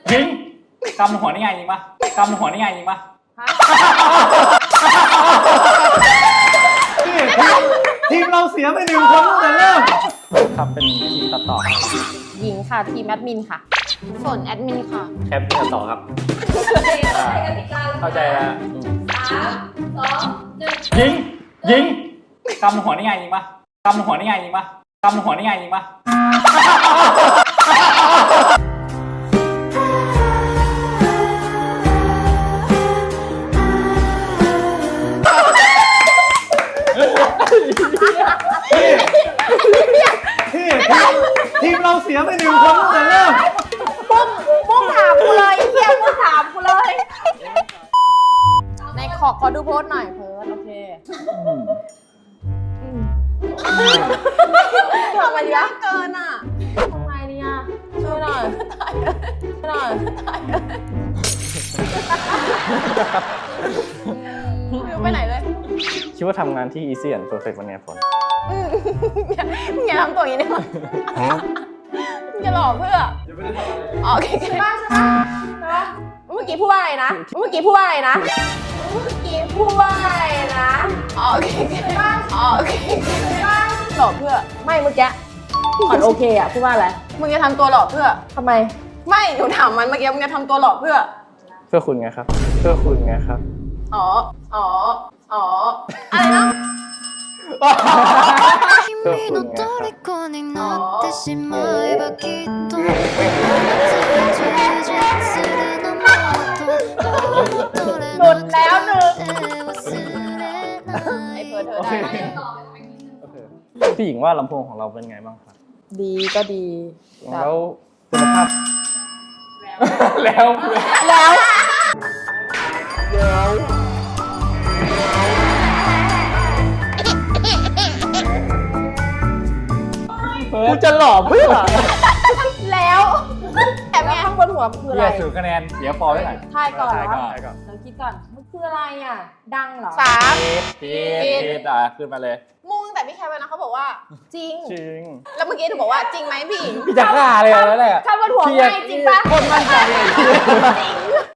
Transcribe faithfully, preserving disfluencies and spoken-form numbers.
ยิงกำหัวนี่ไงยิงปะกำหัวนี่ไงยิงปะทีมเราเสียไปหนึ่งคนตั้งแต่เริ่มครับเป็นทีมตัดต่อหญิงค่ะทีมแอดมินค่ะฝนแอดมินค่ะแคปตัดต่อครับเข้าใจแล้วสามสองหนึ่งยิงยิงกำหัวนี่ไงยิงปะกำหัวนี่ไงยิงปะกำหัวนี่ไงยิงปะทีมเราเสียไปหนึ่งคนตั้งแต่เริ่มปุ้มปุ้มถามกูเลยเฮียปุ้มถามกูเลยในขอขอดูโพสหน่อยเพิร์ดโอเคทำไมยากเกินอ่ะทำไงเนี่ยช่วยหน่อยช่วยหน่อยไม่รู้ไปไหนเลยคิดว่าทำงานที่ Easy and Perfect วันนี้ผลมึงอย่าทำตัวอย่างนี้ได้ไหมมึงจะหลอกเพื่อโอเคใช่ป่ะใช่ป่ะเมื่อกี้พูดว่าอะไรนะเมื่อกี้พูดว่าอะไรนะเมื่อกี้พูดว่าอะไรนะโอเคใช่ป่ะโอเคใช่ป่ะหลอกเพื่อไม่เมื่อกี้อ่อนโอเคอ่ะพูดว่าอะไรมึงจะทำตัวหลอกเพื่อทำไมไม่หนูถามมันเมื่อกี้มึงจะทำตัวหลอกเพื่อเพื่อคุณไงครับเพื่อคุณไงครับอ๋ออ๋ออ๋ออะไรนะ君の虜になってしまえばきっと充実するのもっとหลุดแล้วหนึ่งไอ้เพิร์ดเธอได้พี่หญิงว่าลำโพงของเราเป็นไงบ้างครับดีก็ดีแล้วคุณภาพแล้วแล้วกูจะหล่อเพื่อแล้วแอบไงข้างบนหัวคืออะไรเสียคะแนนเสียฟอร์ได้ไหนทายก่อนเหรอทายก่อนเราคิดก่อนมันคืออะไรอ่ะดังเหรอสามพีดพีดอ่ะขึ้นมาเลยมุ่งแต่พี่แคปนะเขาบอกว่าจริงจริงแล้วเมื่อกี้หนูบอกว่าจริงไหมพี่หญิงพี่จะฆ่าเลยแล้วแหละข้างบนหัวไงจริงปะคนมั่นใจเลย